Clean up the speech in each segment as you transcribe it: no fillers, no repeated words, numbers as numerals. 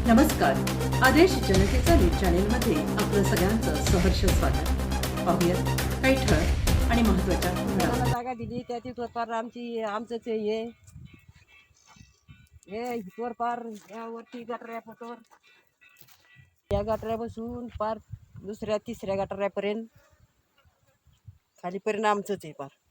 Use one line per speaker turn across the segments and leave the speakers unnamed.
नमस्कार. आदेश जनतेचा न्यूज चॅनेलमध्ये आपलं सगळ्यांचं सहर्ष स्वागत. पाहूयात काही ठळक आणि महत्त्वाच्या घडामोडी.
आम्हाला जागा दिली त्या तिथवर पार आमचंच हे हितवर पार यावरती गटाऱ्यापासून या गटाऱ्यापासून पार दुसऱ्या तिसऱ्या गटाऱ्यापर्यंत खालीपर्यंत आमचंच आहे पार.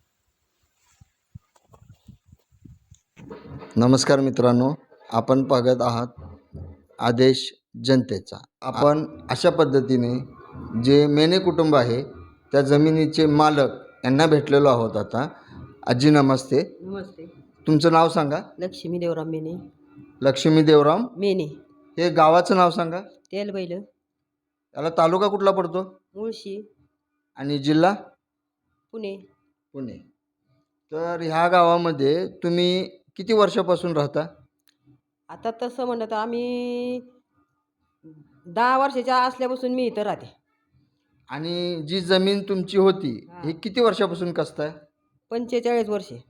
नमस्कार मित्रांनो, आपण पाहत आहात आदेश जनतेचा. आपण अशा पद्धतीने जे मेने कुटुंब आहे त्या जमिनीचे मालक यांना भेटलेलो आहोत. आता आजी नमस्ते.
नमस्ते.
तुमचं नाव सांगा.
लक्ष्मी देवराम मेने.
लक्ष्मी देवराम
मेने.
हे गावाचं नाव सांगा.
तेलबैल.
याला तालुका कुठला पडतो?
मुळशी.
आणि जिल्हा?
पुणे.
पुणे. तर ह्या गावामध्ये तुम्ही किती वर्षापासून राहता?
आता तसं म्हणलं तर आम्ही 10 वर्षाच्या असल्यापासून मी इथं राहते.
आणि जी जमीन तुमची होती ही किती वर्षापासून कसताय?
45 वर्षे.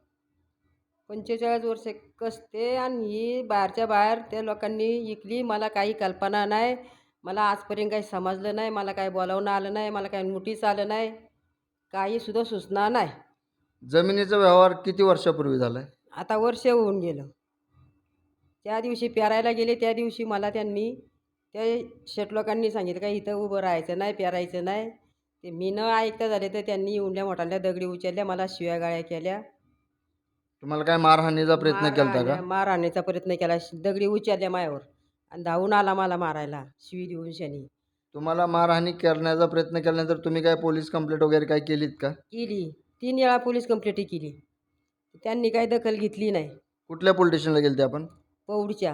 45 वर्षे कसते आणि ही बाहेरच्या बाहेर त्या लोकांनी विकली. मला काही कल्पना नाही. मला आजपर्यंत काही समजलं नाही. मला काही बोलावणं आलं नाही. मला काही नोटीस आलं नाही. काहीसुद्धा सूचना नाही.
जमिनीचा व्यवहार किती वर्षापूर्वी झालाय?
आता वर्ष होऊन गेलं. त्या दिवशी पेरायला गेले त्या दिवशी मला त्यांनी त्या शेट लोकांनी सांगितलं का इथं उभं राहायचं नाही, पेरायचं नाही. ते मी न ऐकता झाले तर त्यांनी येऊनल्या मोठाल्या दगडी उचलल्या, मला शिव्या गाळ्या केल्या.
तुम्हाला काय मारहाणीचा प्रयत्न केलता का?
मारहाणीचा प्रयत्न केला. दगडी उचलल्या मायावर आणि धावून आला मला मारायला शिवी देऊन शनी.
तुम्हाला मारहाणी करण्याचा प्रयत्न केल्यानंतर तुम्ही काय पोलीस कंप्लेंट वगैरे काय केलीत का?
केली. 3 वेळा पोलीस कंप्लेंट केली. त्यांनी काही दखल घेतली नाही.
कुठल्या पोलीस स्टेशनला गेलते आपण?
पौडच्या.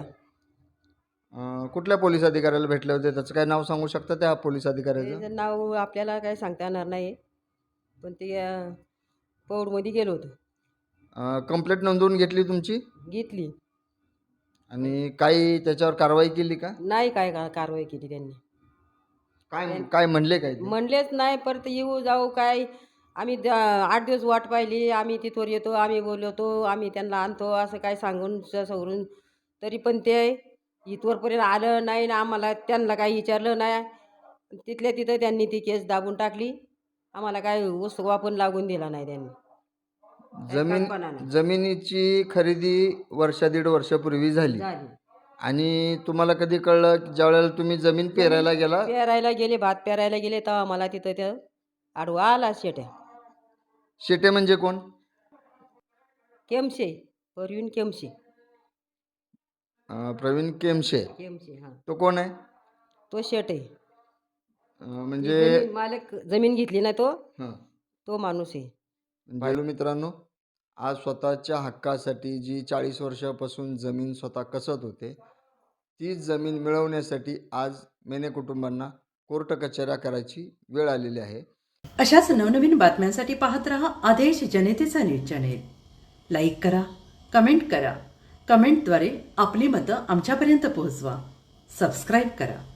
कुठल्या पोलीस अधिकाऱ्याला भेटले होते? त्याचं काय नाव सांगू शकता त्या पोलीस अधिकाऱ्याचं?
त्याचं नाव आपल्याला काही सांगता येणार नाही. पण ते पौडमध्ये गेलो होतो.
कंप्लेंट नोंदवून घेतली तुमची?
घेतली.
आणि काही त्याच्यावर कारवाई केली का?
नाही काय कारवाई केली त्यांनी.
काय काय म्हणले काय ते?
म्हणलेच नाही. परत येऊ जाऊ काय आम्ही 8 दिवस वाट पाहिली. आम्ही तिथवर येतो, आम्ही बोलवतो, आम्ही त्यांना आणतो असं काय सांगून सवरून तरी पण ते इथवरपर्यंत आलं नाही ना. आम्हाला त्यांना काही विचारलं नाही. तिथल्या तिथं त्यांनी ती केस दाबून टाकली. आम्हाला काय उसवा पण लागून दिला नाही त्यांनी.
जमिनीची खरेदी दीड वर्षापूर्वी झाली.
झाली.
आणि तुम्हाला कधी कळलं की ज्यावेळेला तुम्ही जमीन पेरायला गेला?
पेरायला गेले, भात पेरायला गेले तेव्हा मला तिथं त्या आडवा आला शेट्या.
शेटे म्हणजे कोण?
केमशे. परवीन केमशे.
प्रवीण केमशे.
केमशे. हां.
तो कोण आहे?
तो शेट आहे.
म्हणजे
मालक जमीन घेतली ना तो
हां.
तो माणूस आहे.
पाहिलं मित्रांनो, आज स्वतःच्या हक्कासाठी जी 40 वर्षापासून जमीन स्वतः कसत होते ती जमीन मिळवण्यासाठी आज मेने कुटुंबांना कोर्ट कचेऱ्या करायची वेळ आलेली आहे.
अशाच नवनवीन बातम्यांसाठी पाहत रहा आदेश जनतेचा न्यूज चॅनेल. लाईक करा, कमेंट करा. कमेंटद्वारे आपली मतं आमच्यापर्यंत पोहोचवा. सबस्क्राईब करा.